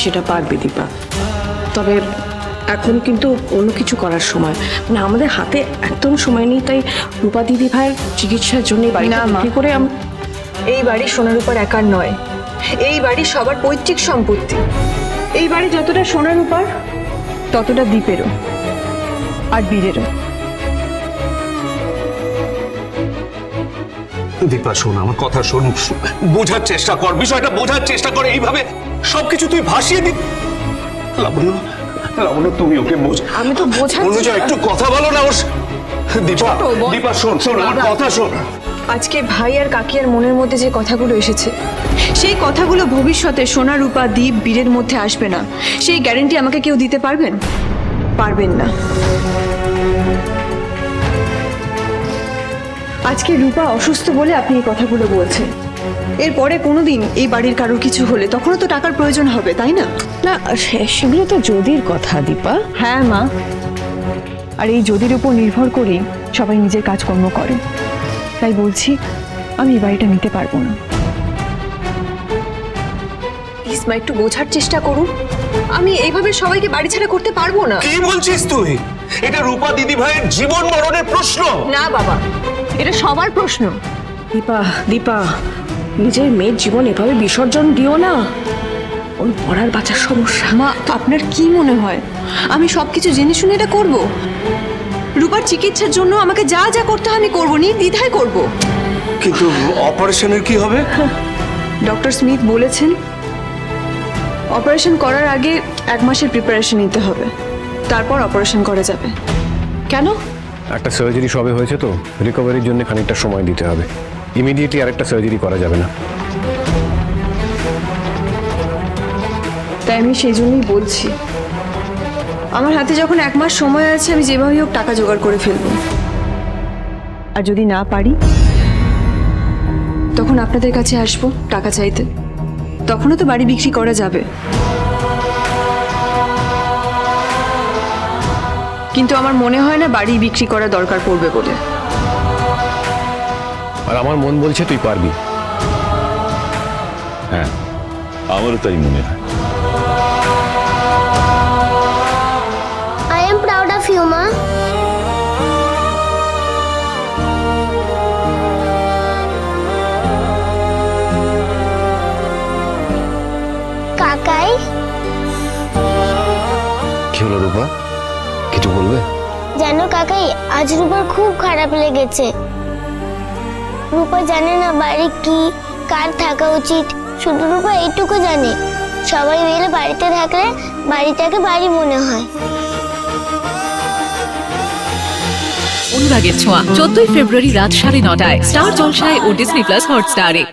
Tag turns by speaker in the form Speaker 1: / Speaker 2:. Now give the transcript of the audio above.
Speaker 1: সেটা পারবে দীপা। তবে এখন কিন্তু অন্য কিছু করার সময়, মানে আমাদের হাতে একদম সময় নেই। তাই রূপা দিদি ভাইয়ের চিকিৎসার জন্য বাড়িটা বিক্রি করে
Speaker 2: এই বাড়ি সোনার উপর একার নয়, এই বাড়ি সবার পৈতৃক সম্পত্তি। এই বাড়ি যতটা সোনার উপর ততটা দ্বীপেরও আর বীরেরও।
Speaker 3: দীপা শোন, আমার কথা শোন, বোঝার চেষ্টা কর, বিষয়টা বোঝার চেষ্টা কর। এইভাবে সবকিছু তুই ভাসিয়ে দি। লাবণ্য, লাবণ্য তুমি ওকে বোঝ।
Speaker 1: আমি তো বোঝাচ্ছি।
Speaker 3: অনুজা একটু কথা বলো না ওর। দীপা, দীপা শোন, শোন আমার কথা শোন।
Speaker 2: আজকে ভাই আর কাকিয়ার মনের মধ্যে যে কথাগুলো এসেছে, সেই কথাগুলো ভবিষ্যতে সোনা রূপা দ্বীপ বীরের মধ্যে আসবে না, সেই গ্যারান্টি আমাকে কেউ দিতে পারবেন? পারবেন না। আজকে রূপা অসুস্থ বলে আপনি এই কথাগুলো বলছেন। এরপরে কোনোদিন এই বাড়ির কারোর কিছু হলে তখনও তো টাকার প্রয়োজন হবে, তাই না?
Speaker 1: না, সেগুলো তো যদির কথা দীপা।
Speaker 2: হ্যাঁ মা, আর এই যদির উপর নির্ভর করেই সবাই নিজের কাজকর্ম করে। তাই বলছি, আমি এই বাড়িটা নিতে পারবো না। প্লিজ মা, একটু বোঝার চেষ্টা করুন। আমি এইভাবে সবাইকে বাড়ি ছাড়া করতে পারবো না।
Speaker 3: কি বলছিস তুই? এটা রূপা দিদি ভাইয়ের জীবন মরণের প্রশ্ন।
Speaker 2: না বাবা, এটা সবার প্রশ্ন।
Speaker 1: দীপা, দীপা, নিজের মেয়ের জীবন এভাবে বিসর্জন দিও না। ওর পড়ার বাঁচার সমস্যা।
Speaker 2: মা, আপনার কি মনে হয় আমি সবকিছু জেনে শুনে এটা করব? রূপার চিকিৎসার জন্য আমাকে যা যা করতে হয় আমি করবো, নির্দ্বিধায় করব।
Speaker 3: কিন্তু অপারেশনের কি হবে?
Speaker 2: ডক্টর স্মিথ বলেছেন অপারেশন করার আগে 1 মাসের প্রিপারেশন নিতে হবে, তারপর অপারেশন করা যাবে।
Speaker 1: কেন?
Speaker 4: একটা সার্জারি সবে হয়েছে তো, রিকভারির জন্য খানিকটা সময় দিতে হবে। ইমিডিয়েটলি আরেকটা সার্জারি করা যাবে না।
Speaker 2: তাই আমি সেই জন্যই বলছি, আমার হাতে যখন 1 মাস সময় আছে, আমি যেভাবেই হোক টাকা জোগাড় করে ফেলবো। আর যদি না পারি, তখন আপনাদের কাছে আসবো টাকা চাইতে। তখনও তো বাড়ি বিক্রি করা যাবে। কিন্তু আমার মনে হয় না বাড়ি বিক্রি করা দরকার পড়বে বলে।
Speaker 4: আর আমার মন বলছে তুই পারবি।
Speaker 5: হ্যাঁ, আমারও তাই মনে হয়।
Speaker 6: I am proud of you, Ma. কাকাই,
Speaker 4: কি হলো রূপা, কিছু বলবে?
Speaker 6: জানো কাকাই, আজ রূপার খুব খারাপ লেগেছে। রূপা জানে না বাড়ি কি, কার থাকা উচিত। শুধু রূপা এইটুকু জানে, সবাই মিলে বাড়িতে থাকলে বাড়িটাকে বাড়ি মনে হয়।
Speaker 7: অনুরাগের ছোঁয়া 14ই ফেব্রুয়ারি রাত 9:30টায় স্টার জলসায় ও ডিজনি প্লাস হটস্টারে।